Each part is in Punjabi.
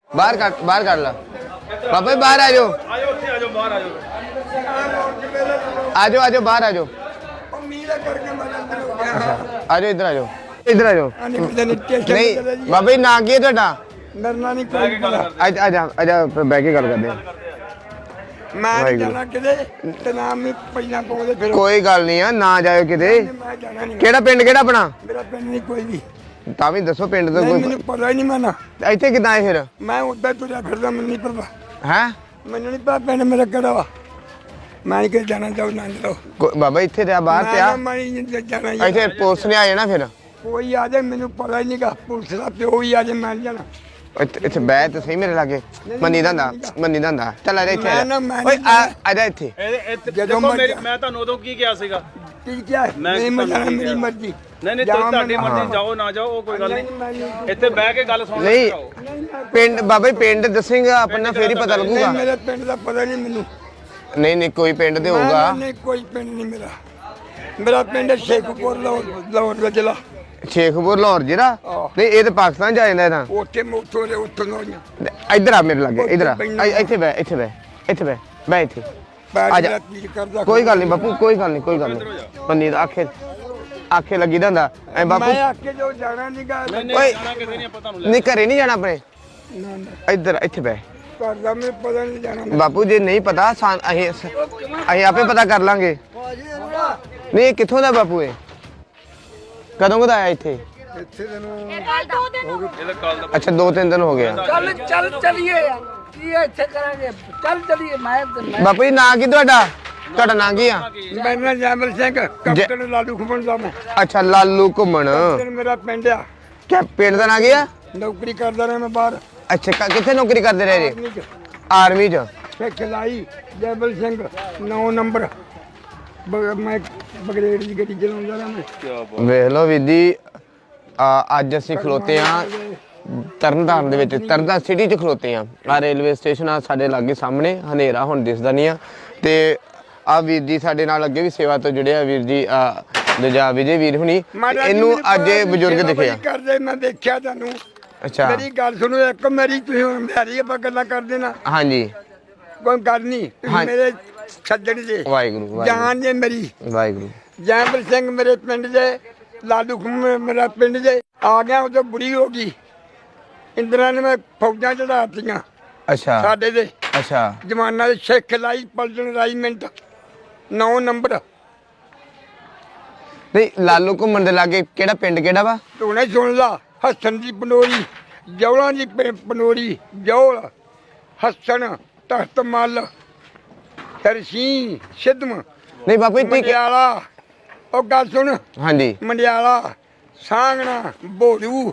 बाहर कर ला पापा बाहर आ जाओ आ जाओ बाहर आ जाओ आ जाओ इधर आ जाओ नहीं बाबा जी ना की है ਤੁਹਾਡਾ डरना नहीं कोई आजा बह के गल करते हैं मैं जाना किते ते नाम नहीं पहिला पाਉਂਦੇ ਫਿਰ कोई गल नहीं है ना जाओ किते मैं जाना नहीं ਕਿਹੜਾ ਪਿੰਡ ਕਿਹੜਾ ਆਪਣਾ मेरा पिंड नहीं कोई भी ਤਾਂ ਵੀ ਦੱਸੋ ਪਿੰਡ ਦਾ नहीं ਕੋਈ मैंने पता ही नहीं माना ਇੱਥੇ ਕਿਦਾਂ ਆਏ ਫਿਰ मैं उधर तुझा फिरदा मैंने नहीं पता ਹੈ मैंने नहीं पता पिंड मेरा केड़ा वा मैं नहीं जाना चाहूँ ना जाओ ਬਾਬਾ ਇੱਥੇ ਤੇ ਆ ਬਾਹਰ ਤੇ ਆ मैं नहीं जाना ਇੱਥੇ ਪੁਲਿਸ ਨੇ ਆ ਜਾਣਾ ਫਿਰ कोई आ जाए मैंने पता ही नहीं का पुलिस का प्यो ही आ जाए मैं नहीं जाना ਇੱਥੇ ਬਹਿ ਤੇ ਸਹੀ ਮੇਰੇ ਲਾਗੇ ਮੰਨੀ ਦਾ ਹੁੰਦਾ ਚੱਲ ਆ ਜਾ ਇੱਥੇ ਮੈਂ ਨਾ- ਮੈਂ ਓਏ ਨਹੀਂ ਆ ਜਾ ਇੱਥੇ ਜਦੋਂ ਮੈਂ ਤੁਹਾਨੂੰ ਉਦੋਂ ਕੀ ਕਿਹਾ ਸੀਗਾ की क्या है मैं नहीं मैं ਤੁਹਾਨੂੰ जाना ਕੀ मेरी ਕਿਹਾ? मर्जी ਨਹੀਂ ਤੁਹਾਡੀ ਮਰਜ਼ੀ ਜਾਓ ਨਾ ਜਾਓ ਉਹ ਕੋਈ ਗੱਲ ਨਹੀਂ ਇੱਥੇ ਬਹਿ ਕੇ ਗੱਲ ਸੁਣ ਨਹੀਂ ਪਿੰਡ ਬਾਬਾ ਜੀ ਪਿੰਡ ਦੱਸੇਗਾ ਆਪਣਾ ਫੇਰ ਹੀ ਪਤਾ ਲੱਗੂਗਾ नहीं मेरे पिंड का पता नहीं मैनू ਨਹੀਂ ਕੋਈ ਪਿੰਡ ਤੇ ਹੋਊਗਾ नहीं कोई पिंड नहीं मेरा मेरा पिंड है शेखपुर लाहौर का जिला ਸ਼ੇਖਪੁਰ ਲਾਹੌਰ ਜਿਹੜਾ ਨਹੀਂ ਇਹ ਤਾਂ ਪਾਕਿਸਤਾਨ ਜਾ ਜਾਂਦਾ ਤਾਂ ਉੱਥੇ ਮੋਟੋ ਦੇ ਉੱਥੋਂ ਲੋਈਆਂ ਇੱਧਰ ਆ ਮੇਰੇ ਲਾਗੇ ਇੱਧਰ ਆ ਇੱਥੇ ਬਹਿ ਬਹਿ ਇੱਥੇ ਆ ਜਾ ਕਰਦਾ ਕੋਈ ਗੱਲ ਨਹੀਂ ਬਾਪੂ ਕੋਈ ਗੱਲ ਨਹੀਂ ਪੰਨੀ ਦਾ ਆਖੇ ਲੱਗੀ ਦਾ ਹੁੰਦਾ ਐ ਬਾਪੂ ਮੈਂ ਆਕੇ ਜੋ ਜਾਣਾ ਨਹੀਂ ਗਾ ਓਏ ਜਾਣਾ ਕਿਤੇ ਨਹੀਂ ਆਪਾਂ ਤੁਹਾਨੂੰ ਨਹੀਂ ਘਰੇ ਨਹੀਂ ਜਾਣਾ ਆਪਣੇ ਨਾ ਨਾ ਇੱਧਰ ਇੱਥੇ ਬਹਿ ਕਰਦਾ ਮੈਂ ਪਤਾ ਨਹੀਂ ਜਾਣਾ ਬਾਪੂ ਜੇ ਨਹੀਂ ਪਤਾ ਅਸੀਂ ਆਪੇ ਪਤਾ ਕਰ ਲਾਂਗੇ ਨਹੀਂ ਇਹ ਕਿੱਥੋਂ ਦਾ ਬਾਪੂ ਇਹ ਕਦੋਂ ਕਦਾ ਆਇਆ ਇੱਥੇ ਇੱਥੇ ਤੈਨੂੰ ਇਹਦਾ ਕੱਲ ਦਾ ਅੱਛਾ 2-3 ਦਿਨ ਹੋ ਗਏ ਚੱਲ ਚਲੀਏ ਯਾਰ ਕੀ ਇੱਥੇ ਕਰਾਂਗੇ ਚੱਲ ਚਲੀਏ ਮੈਂ ਬਾਪੂ ਜੀ ਨਾਂ ਕੀ ਤੁਹਾਡਾ ਨਾਂ ਕੀ ਆ ਮੇਰਾ ਨਾਮ ਜੈਮਲ ਸਿੰਘ ਕੈਪਟਨ ਲਾਲੂ ਖੁਮਣ ਦਾ ਮੈਂ ਅੱਛਾ ਲਾਲੂ ਘੁੰਮਣ ਮੇਰਾ ਪਿੰਡ ਆ ਕਿਆ ਪਿੰਡ ਦਾ ਨਾਂ ਕੀ ਆ ਨੌਕਰੀ ਕਰਦਾ ਰਿਹਾ ਮੈਂ ਬਾਹਰ ਅੱਛਾ ਕਿੱਥੇ ਨੌਕਰੀ ਕਰਦੇ ਰਹੇ ਜੀ ਆਰਮੀ ਚ ਆਰਮੀ ਚ ਖਿਲਾਈ ਜੈਮਲ ਸਿੰਘ 9 ਨੰਬਰ ਮੈਂ ਬਗਰੇਡ ਦੀ ਗੱਡੀ ਚਲਾਉਂਦਾ ਰਿਹਾ ਮੈਂ ਵੇਖ ਲਓ ਵੀਦੀ ਅੱਜ ਅਸੀਂ ਖਲੋਤੇ ਆ ਤਰਨਤਾਰਨ ਦੇ ਵਿੱਚ ਤਰਨਤਾਰਨ ਸਿਟੀ 'ਚ ਖਲੋਤੇ ਆ ਰੇਲਵੇ ਸਟੇਸ਼ਨ ਆ ਸਾਡੇ ਲਾਗੇ ਸਾਹਮਣੇ ਹਨੇਰਾ ਹੁਣ ਦਿਸਦਾ ਨਹੀਂ ਆ ਤੇ ਆ ਵੀਰ ਜੀ ਸਾਡੇ ਨਾਲ ਅੱਗੇ ਵੀ ਸੇਵਾ ਤੋਂ ਜੁੜੇ ਆ ਵੀਰ ਜੀ ਦੂਜਾ ਵਿਜੇ ਵੀਰ ਹੁਣੀ ਇਹਨੂੰ ਅੱਜ ਇਹ ਬਜ਼ੁਰਗ ਦਿਖੇ ਆ ਕਰਦੇ ਮੈਂ ਦੇਖਿਆ ਤੁਹਾਨੂੰ ਅੱਛਾ ਮੇਰੀ ਗੱਲ ਸੁਣੋ ਇੱਕ ਮੇਰੀ ਤੁਸੀਂ ਹੁਣ ਮੇਰੀ ਆਪਾਂ ਗੱਲਾਂ ਕਰਦੇ ਨਾ ਹਾਂਜੀ ਕੋਈ ਗੱਲ ਨਹੀਂ ਤੁਸੀਂ ਮੇਰੇ ਛੱਡਣ ਦੇ ਵਾਹਿਗੁਰੂ ਜਾਨ ਜੇ ਮੇਰੀ ਵਾਹਿਗੁਰੂ ਜੈਮਲ ਸਿੰਘ ਮੇਰੇ ਪਿੰਡ ਦੇ ਲਾਲੂ ਖੁੰਮ ਮੇਰਾ ਪਿੰਡ ਦੇ ਆ ਗਿਆ ਉਹ ਬੁੜੀ ਹੋ ਗਈ ਇੰਦਰਾ ਨੇ ਮੈਂ ਫੌਜਾਂ ਚੜਾਤੀਆਂ ਅੱਛਾ ਸਾਡੇ ਦੇ ਅੱਛਾ ਜਵਾਨਾਂ ਦੇ ਸਿੱਖ ਲਾਈ ਪਲਟਨ ਰਾਈਮੈਂਟ 9 ਨੰਬਰ ਨਹੀਂ ਲਾਲੂ ਘੁੰਮਣ ਦੇ ਲਾਗੇ ਕਿਹੜਾ ਪਿੰਡ ਕਿਹੜਾ ਵਾ ਤੂੰ ਸੁਣ ਲਾ ਹਸਨ ਦੀ ਪਨੋਰੀ ਜੌਲਾਂ ਦੀ ਪਨੋਰੀ ਜੌਲ ਹਸਨ ਤਖਤ ਮੱਲ ਤਰਸੀ ਸਿੱਧਮ ਨਹੀਂ ਬਾਪੂ ਜੀ ਮੰਡਿਆਲਾ ਉਹ ਗੱਲ ਸੁਣ ਹਾਂਜੀ ਮੰਡਿਆਲਾ ਸਾਂਗਣਾ ਬੋੜੂ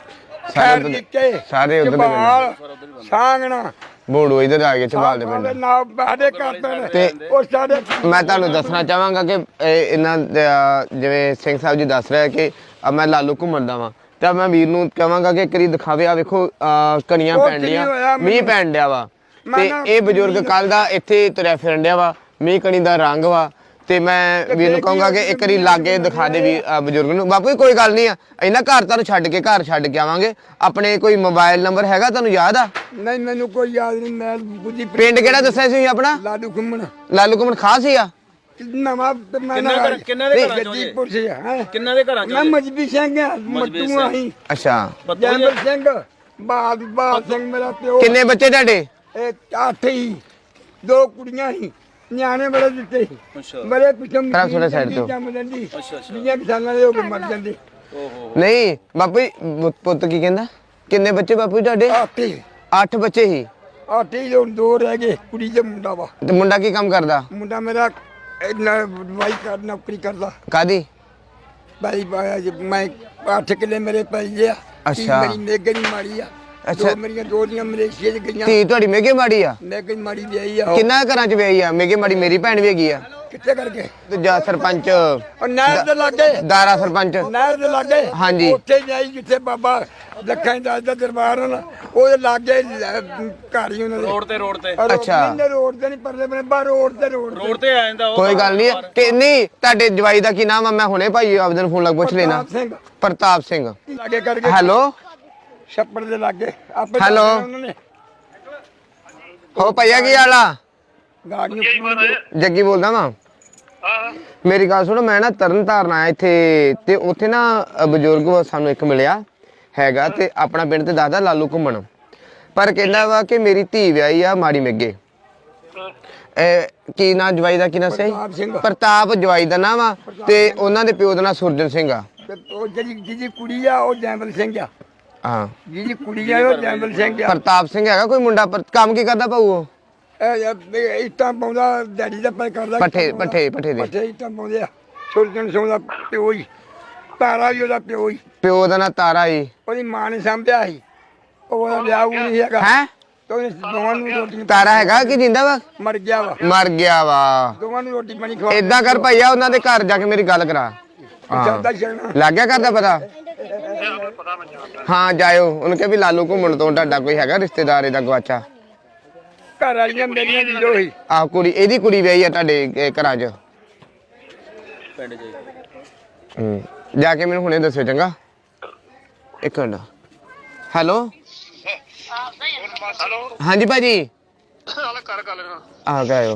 ਸਾਰੇ ਉਧਰ ਦੇ ਸਾਂਗਣਾ ਬੋੜੂ ਇਧਰ ਆ ਗਏ ਚਬਾਲ ਦੇ ਪਿੰਡ ਨਾ ਬਾਦੇ ਕਰਦੇ ਤੇ ਉਹ ਸਾਡੇ ਮੈਂ ਤੁਹਾਨੂੰ ਦੱਸਣਾ ਚਾਹਾਂਗਾ ਕਿ ਇਹਨਾਂ ਜਿਵੇਂ ਸਿੰਘ ਸਾਹਿਬ ਜੀ ਦੱਸ ਰਿਹਾ ਕਿ ਮੈਂ ਲਾਲੂ ਘੁੰਮਣ ਦਾ ਵਾਂ ਤਾਂ ਮੈਂ ਵੀਰ ਨੂੰ ਕਹਾਂਗਾ ਕਿ ਕਰੀ ਦਿਖਾਵੇ ਆ ਵੇਖੋ ਕਣੀਆਂ ਪੈਣ ਡੀਆਂ ਮੀਂਹ ਪੈਣ ਡਿਆ ਵਾ ਤੇ ਇਹ ਬਜ਼ੁਰਗ ਕੱਲ ਦਾ ਇੱਥੇ ਤੁਰਿਆ ਫਿਰਨ ਡਿਆ ਵਾ ਮੀਂਹ ਕਣੀ ਦਾ ਰੰਗ ਵਾ ਤੇ ਮੈਂ ਵੀਰ ਨੂੰ ਕਹਾਂਗਾ ਕਿ ਇੱਕ ਵਾਰੀ ਲਾਗੇ ਦਿਖਾ ਦੇ ਵੀ ਬਜ਼ੁਰਗ ਨੂੰ ਬਾਪੂ ਕੋਈ ਗੱਲ ਨਹੀਂ ਆ ਇਹਨਾਂ ਘਰ ਤੁਹਾਨੂੰ ਛੱਡ ਕੇ ਆਵਾਂਗੇ ਆਪਣੇ ਕੋਈ ਮੋਬਾਈਲ ਨੰਬਰ ਹੈਗਾ ਤੁਹਾਨੂੰ ਯਾਦ ਆ ਨਹੀਂ ਮੈਨੂੰ ਕੋਈ ਯਾਦ ਨਹੀਂ ਮੈਂ ਬੁੱਧੀ ਪਿੰਡ ਕਿਹੜਾ ਦੱਸਿਆ ਸੀ ਆਪਣਾ ਲਾਲੂ ਘੁੰਮਣ ਲਾਲੂ ਘੁੰਮਣ ਖਾਸ ਹੀ ਆ ਨਵਾਂ ਕਿੰਨਾ ਦੇ ਘਰਾਂ ਚੋਂ ਗੱਜੀਪੁਰ ਸੇ ਹੈ ਕਿੰਨਾ ਦੇ ਘਰਾਂ ਮੈਂ ਚੋਂ ਮਜਬੀ ਸਿੰਘ ਆ ਮੱਟੂ ਆਹੀ ਅੱਛਾ ਜੈਮਲ ਸਿੰਘ ਬਾਲ ਸਿੰਘ ਮੇਰਾ ਪਿਓ ਕਿੰਨੇ ਬੱਚੇ ਤੁਹਾਡੇ ਇਹ 8 ਹੀ 2 ਕੁੜੀਆਂ ਹੀ ਨਿਆਣੇ ਬੜੇ ਦਿੱਤੇ ਅੱਛਾ ਬੜੇ ਪਿਛਮ ਖਰਾਬ ਥੋੜਾ ਸਾਈਡ ਤੋਂ ਜੰਮ ਜਾਂਦੀ ਅੱਛਾ ਅੱਛਾ 20 ਸਾਲਾਂ ਦੇ ਹੋ ਕੇ ਮਰ ਜਾਂਦੇ ਓਹੋ ਨਹੀਂ ਬਾਪੂ ਜੀ ਪੁੱਤ ਕੀ ਕਹਿੰਦਾ ਕਿੰਨੇ ਬੱਚੇ ਬਾਪੂ ਜੀ ਤੁਹਾਡੇ 8 8 ਬੱਚੇ ਹੀ 8 ਹੀ ਹੁਣ 2 ਰਹਿ ਗਏ ਕੁੜੀ ਤੇ ਮੁੰਡਾ ਵਾ ਤੇ ਮੁੰਡਾ ਕੀ ਕੰਮ ਕਰਦਾ ਮੁੰਡਾ ਮੇਰਾ ਵਾਈ ਕਰ ਨੌਕਰੀ ਕਰਦਾ ਕਾਦੀ ਬਾਈ ਮੈਂ 8 ਕਿੱਲੇ ਮੇਰੇ ਪੈ ਗਿਆ ਅੱਛਾ। ਮੇਰੀ ਮੇਗਣੀ ਮਾਰੀ ਆ ਅੱਛਾ। ਦੋ ਮੇਰੀਆਂ ਦੋਦੀਆਂ ਮਲੇਸ਼ੀਆ ਚ ਗਈਆਂ ਧੀ ਤੁਹਾਡੀ ਮੇਗੇ ਮਾੜੀ ਆ ਮੇਗਣੀ ਮਾਰੀ ਵਿਆਹੀ ਆ ਉਹ। ਕਿੰਨਾ ਘਰਾਂ ਚ ਵਿਆਹੀ ਆ ਮੇਗੇ ਮਾੜੀ ਮੇਰੀ ਭੈਣ ਵੀ ਹੈਗੀ ਆ ਕਿੱਥੇ ਕਰਕੇ ਦੂਜਾ ਸਰਪੰਚ ਉਹ ਨਹਿਰ ਦੇ ਲਾਗੇ ਦਾਰਾ ਸਰਪੰਚ ਨਹਿਰ ਦੇ ਲਾਗੇ ਹਾਂਜੀ। ਉੱਥੇ ਜਾਈ ਜਿੱਥੇ ਬਾਬਾ ਲੱਖਾਂ ਦਾ ਦਰਬਾਰ ਹਨ ਉਹਦੇ ਲਾਗੇ ਘਰ ਹੀ ਉਹਨਾਂ ਦੇ ਰੋਡ ਤੇ ਅੱਛਾ। ਰੋਡ ਤੇ ਨਹੀਂ ਪਰਲੇ ਬਨੇ ਬਾਹਰ ਰੋਡ ਤੇ ਆ ਜਾਂਦਾ ਉਹ ਕੋਈ ਗੱਲ ਨਹੀਂ ਕਿ ਨਹੀਂ ਤੁਹਾਡੇ ਜਵਾਈ ਦਾ ਕੀ ਨਾਮ ਆ ਮੈਂ ਹੁਣੇ ਭਾਈ ਆਪਦੇ ਨੂੰ ਫੋਨ ਲਾ ਪੁੱਛ ਲੈਣਾ ਪ੍ਰਤਾਪ ਸਿੰਘ ਪ੍ਰਤਾਪ ਸਿੰਘ ਲਾਗੇ ਕਰਕੇ ਹੈਲੋ ਛੱਪੜ ਦੇ ਲਾਗੇ ਆਪੇ ਹੈਲੋ। ਉਹਨਾਂ ਨੇ ਹੋ ਭਈਆ ਕੀ ਹਾਲ ਆ? ਗਾੜੀਆਂ ਜੱਗੀ ਬੋਲਦਾ ਵਾਂ। ਮੇਰੀ ਗੱਲ ਸੁਣੋ, ਮੈਂ ਨਾ ਤਰਨ ਤਾਰਨ ਆਇਆ ਇੱਥੇ ਤੇ ਉੱਥੇ ਨਾ ਬਜ਼ੁਰਗ ਸਾਨੂੰ ਇੱਕ ਮਿਲਿਆ ਹੈਗਾ ਤੇ ਆਪਣਾ ਪਿੰਡ ਤੇ ਦੱਸਦਾ ਲਾਲੂ ਘੁੰਮਣ, ਪਰ ਕਹਿੰਦਾ ਵਾ ਕਿ ਮੇਰੀ ਧੀ ਵਿਆਹੀ ਆ ਮਾੜੀ ਮਿੱਗੇ। ਕੀ ਨਾਂ ਜਵਾਈ ਦਾ, ਕੀ ਨਾਂ ਸਹੀ? ਪ੍ਰਤਾਪ ਜਵਾਈ ਦਾ ਨਾਮ ਆ ਤੇ ਉਹਨਾਂ ਦੇ ਪਿਓ ਦਾ ਨਾਂ ਸੁਰਜਨ ਸਿੰਘ ਆ। ਉਹ ਜਿਹਦੀ ਕੁੜੀ ਆ ਉਹ ਜੈਮਲ ਸਿੰਘ ਆ। ਹਾਂ, ਜਿਹਦੀ ਕੁੜੀ ਆ ਉਹ ਜੈਮਲ ਸਿੰਘ ਆ। ਪ੍ਰਤਾਪ ਸਿੰਘ ਹੈਗਾ ਕੋਈ ਮੁੰਡਾ, ਕੰਮ ਕੀ ਕਰਦਾ ਭਾਊ ਉਹ? ਇਹ ਇੱਟਾਂ ਪਾਉਂਦਾ, ਡੈਡੀ ਦਾ ਪੈਰ ਕਰਦਾ ਪੱਠੇ ਦੇ ਪੱਠੇ ਇੱਟਾਂ ਪਾਉਂਦੇ ਆ। ਸੁਰਜਣ ਸਿੰਘ ਦਾ ਪਿਓ ਹੀ, ਤਾਰਾ ਵੀ ਉਹਦਾ ਪਿਓ ਹੀ। ਪਿਓ ਦਾ ਨਾਂ ਤਾਰਾ ਜੀ। ਉਹਦੀ ਮਾਂ ਨੇ ਸਾਂਭਿਆ ਸੀ, ਉਹਦਾ ਵਿਆਹ ਉਹ ਨਹੀਂ ਹੈਗਾ। ਹੈ ਤੇ ਉਹਨੇ ਦੋਵਾਂ ਨੂੰ ਰੋਟੀ ਤਾਰਾ ਹੈਗਾ ਕਿ ਜਿੰਦਾ ਵਾ? ਮਰ ਗਿਆ ਵਾ। ਮਰ ਗਿਆ ਵਾ। ਦੋਵਾਂ ਨੂੰ ਰੋਟੀ ਪਾਣੀ ਖਵਾ ਏਦਾਂ ਕਰ ਭਈਆ, ਉਹਨਾਂ ਦੇ ਘਰ ਜਾ ਕੇ ਮੇਰੀ ਗੱਲ ਕਰਾ। ਚੱਲਦਾ ਛੱਡਣਾ। ਲੱਗ ਗਿਆ ਕਰਦਾ ਪਤਾ? ਹਾਂ ਜਾਇਓ, ਉਹਨੂੰ ਕਿਹਾ ਵੀ ਲਾਲੂ ਘੁੰਮਣ ਤੋਂ ਤੁਹਾਡਾ ਕੋਈ ਹੈਗਾ ਰਿਸ਼ਤੇਦਾਰ ਇਹਦਾ ਗਵਾਚਾ? ਘਰ ਵਾਲੀਆਂ ਮੇਰੀਆਂ ਜੀਰੋ ਹੀ। ਆਹ ਕੁੜੀ, ਇਹਦੀ ਕੁੜੀ ਵਿਆਹੀ ਆ ਤੁਹਾਡੇ ਘਰਾਂ 'ਚ? ਪਿੰਡ 'ਚ ਜਾ ਕੇ ਮੈਨੂੰ ਹੁਣੇ ਦੱਸਿਓ ਚੰਗਾ। ਇੱਕ ਮਿੰਟ। ਹੈਲੋ ਹਾਂਜੀ ਭਾਜੀ। ਕਰ ਗੱਲ ਆ ਗਏ?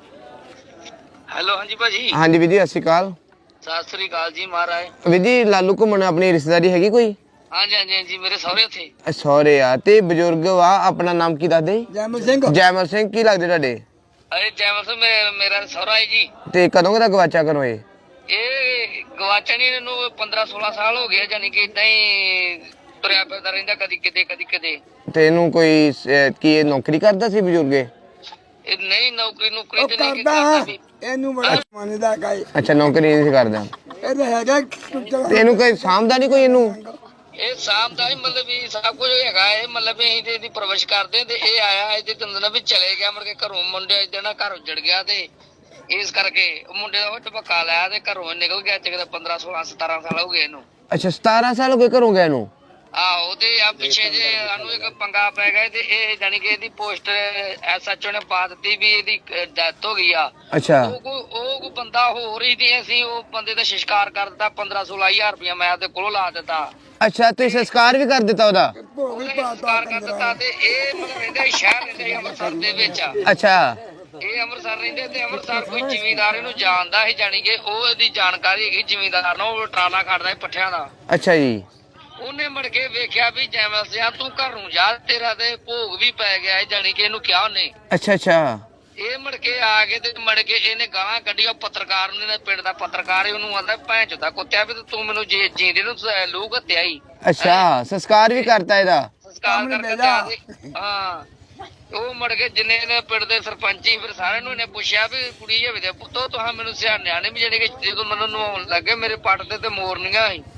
ਹੈਲੋ ਹਾਂਜੀ ਭਾਜੀ। ਹਾਂਜੀ ਵੀਰ ਜੀ, ਸਤਿ ਸ਼੍ਰੀ ਅਕਾਲ। ਸਤਿ ਸ੍ਰੀ ਅਕਾਲ ਜੀ ਮਹਾਰਾਜ। ਵੀਰ ਜੀ, ਲਾਲੂ ਘੁੰਮਣ ਆਪਣੀ ਰਿਸ਼ਤੇਦਾਰੀ ਹੈਗੀ ਕੋਈ? ਹਾਂਜੀ ਹਾਂਜੀ ਹਾਂਜੀ, ਮੇਰੇ ਸਹੁਰੇ ਉੱਥੇ। ਸਹੁਰੇ ਆ ਤੇ ਬਜ਼ੁਰਗ ਵਾ, ਆਪਣਾ ਨਾਮ ਕੀ ਦੱਸਦੇ? ਜੈਮਲ ਸਿੰਘ। ਜੈਮਲ ਸਿੰਘ। ਕੀ ਲੱਗਦੇ ਤੁਹਾਡੇ? ਅਰੇ ਜੈਮਲ ਸਿੰਘ ਮੇਰਾ ਸਹੁਰਾ ਹੈ ਜੀ। ਤੇ ਕਦੋਂ ਦਾ ਗਵਾਚਾ ਕਰੋ ਇਹ? ਇਹ ਗਵਾਚਣੀ ਇਹਨੂੰ 15-16 ਸਾਲ ਹੋ ਗਏ, ਜਾਨੀ ਕਿ ਇਦਾਂ ਹੀ ਤੁਰਿਆ ਫਿਰਦਾ ਰਹਿੰਦਾ, ਕਦੀ ਕਿਤੇ ਕਦੀ ਕਿਤੇ। ਤੇ ਇਹਨੂੰ ਕੋਈ ਕੀ ਇਹ ਨੌਕਰੀ ਕਰਦਾ ਸੀ ਬਜ਼ੁਰਗੇ? ਇਹ ਨਹੀਂ ਨੌਕਰੀ ਉਹ ਤੇ ਨਹੀਂ ਕਰਦਾ ਵੀ। ਇਹਨੂੰ ਬੜਾ ਮੰਨਦਾ ਕਾਈ। ਅੱਛਾ, ਨੌਕਰੀ ਨਹੀਂ ਸੀ ਕਰਦਾ। ਇਹ ਹੈਗਾ ਤੇ ਇਹਨੂੰ ਕੋਈ ਸਾਂਭਦਾ ਨਹੀਂ ਕੋਈ ਇਹਨੂੰ? ਇਹ ਸ਼ਾਮ ਦਾ ਹੀ ਮਤਲਬ ਵੀ ਸਭ ਕੁਝ ਹੈਗਾ। ਇਹ ਮਤਲਬ ਵੀ ਅਸੀਂ ਤੇ ਇਹਦੀ ਪਰਵਰਿਸ਼ ਕਰਦੇ ਤੇ ਇਹ ਆਇਆ ਇਹਦੇ ਤੰਦਨਾ ਵੀ ਚਲੇ ਗਿਆ, ਮੁੜ ਕੇ ਘਰੋਂ ਮੁੰਡੇ ਜਿਹੜਾ ਘਰ ਉੱਜੜ ਗਿਆ ਤੇ ਇਸ ਕਰਕੇ ਉਹ ਮੁੰਡੇ ਦਾ ਵੱਟ ਪੱਕਾ ਲਿਆ ਤੇ ਘਰੋਂ ਨਿਕਲ ਗਿਆ। ਚਿਕਦਾ 15-16-17 ਸਾਲ ਹੋ ਗਏ ਇਹਨੂੰ। ਅੱਛਾ, 17 ਸਾਲ ਹੋ ਗਏ ਘਰੋਂ ਗਿਆ ਇਹਨੂੰ? ਆਹੋ ਤੇ ਆ ਪਿੱਛੇ ਜੇ ਸਾਨੂੰ ਇੱਕ ਪੰਗਾ ਪੈ ਗਿਆ ਤੇ ਇਹ ਜਾਨੀ ਕਿ ਇਹਦੀ ਪੋਸਟ ਐਸਐਚਓ ਨੇ ਪਾ ਦਿੱਤੀ ਵੀ ਇਹਦੀ ਡੈਥ ਹੋ ਗਈ ਆ। ਅੱਛਾ। ਉਹ ਕੋਈ ਬੰਦਾ ਹੋਰ ਹੀ ਤੇ ਅਸੀਂ ਉਹ ਬੰਦੇ ਦਾ ਸੰਸਕਾਰ ਕਰ ਦਿੱਤਾ। 15-16 ਹਜ਼ਾਰ ਰੁਪਇਆ ਮੈਂ ਉਹਦੇ ਕੋਲੋਂ ਲਾ ਦਿੱਤਾ। ਅੱਛਾ, ਤੁਸੀਂ ਸੰਸਕਾਰ ਵੀ ਕਰ ਦਿੱਤਾ ਉਹਦਾ? ਸੰਸਕਾਰ ਕਰ ਦਿੱਤਾ ਤੇ ਇਹ ਮਤਲਬ ਰਹਿੰਦਾ ਸ਼ਹਿਰ ਰਹਿੰਦਾ ਅੰਮ੍ਰਿਤਸਰ ਦੇ ਵਿੱਚ। ਅੱਛਾ। ਇਹ ਅੰਮ੍ਰਿਤਸਰ ਰਹਿੰਦੇ ਤੇ ਅੰਮ੍ਰਿਤਸਰ ਕੋਈ ਜ਼ਿਮੀਂਦਾਰ ਇਹਨੂੰ ਜਾਣਦਾ ਸੀ, ਜਾਨੀ ਕਿ ਉਹ ਇਹਦੀ ਜਾਣਕਾਰੀ ਹੈਗੀ ਜ਼ਿਮੀਂਦਾਰ ਨੂੰ। ਉਹ ਟਰਾਲਾ ਖੜਦਾ ਪੱਠਿਆਂ ਦਾ। ਅੱਛਾ ਜੀ। ਉਹਨੇ ਮੁੜ ਕੇ ਵੇਖਿਆ ਵੀ ਜੈਮਲ ਸਿਆ ਤੂੰ ਘਰ ਨੂੰ ਜਾ, ਤੇਰਾ ਤੇ ਭੋਗ ਵੀ ਪੈ ਗਿਆ, ਜਾਨੀ ਕਿ ਇਹਨੂੰ ਕਿਹਾ ਉਹਨੇ। ਅੱਛਾ ਅੱਛਾ। ਇਹ ਮੁੜ ਕੇ ਆ ਕੇ ਤੇ ਮੁੜ ਕੇ ਇਹਨੇ ਗਾਲਾਂ ਕੱਢੀਆਂ ਪੱਤਰਕਾਰ ਨੇ, ਪਿੰਡ ਦਾ ਪੱਤਰਕਾਰ ਹੀ ਉਹਨੂੰ ਆਂਦਾ ਭੈਣ ਚੋਦਾ ਕੁੱਤਿਆ ਵੀ ਤੂੰ ਮੈਨੂੰ ਜੀਂਦੇ ਨੂੰ ਲੂਹ ਘੱਤਿਆ ਹੀ। ਅੱਛਾ, ਸੰਸਕਾਰ ਵੀ ਕਰਤਾ ਇਹਦਾ? ਸੰਸਕਾਰ ਕਰਕੇ ਹਾਂ। ਉਹ ਮੁੜ ਕੇ ਜਿੰਨੇ ਨੇ ਪਿੰਡ ਦੇ ਸਰਪੰਚੀ ਫਿਰ ਸਾਰਿਆਂ ਨੂੰ ਇਹਨੇ ਪੁੱਛਿਆ ਵੀ ਕੁੜੀ ਜਵੇ ਦੇ ਪੁੱਤੋ ਤੁਹਾਂ ਮੈਨੂੰ ਸਿਆਣਿਆ ਨੇ ਵੀ ਜਿਹੜੇ ਕਿ ਜਦੋਂ ਮੈਨੂੰ ਨਹਾਉਣ ਲੱਗੇ ਮੇਰੇ ਪੱਟ ਤੇ ਮੋਰਨੀਆਂ ਸੀ।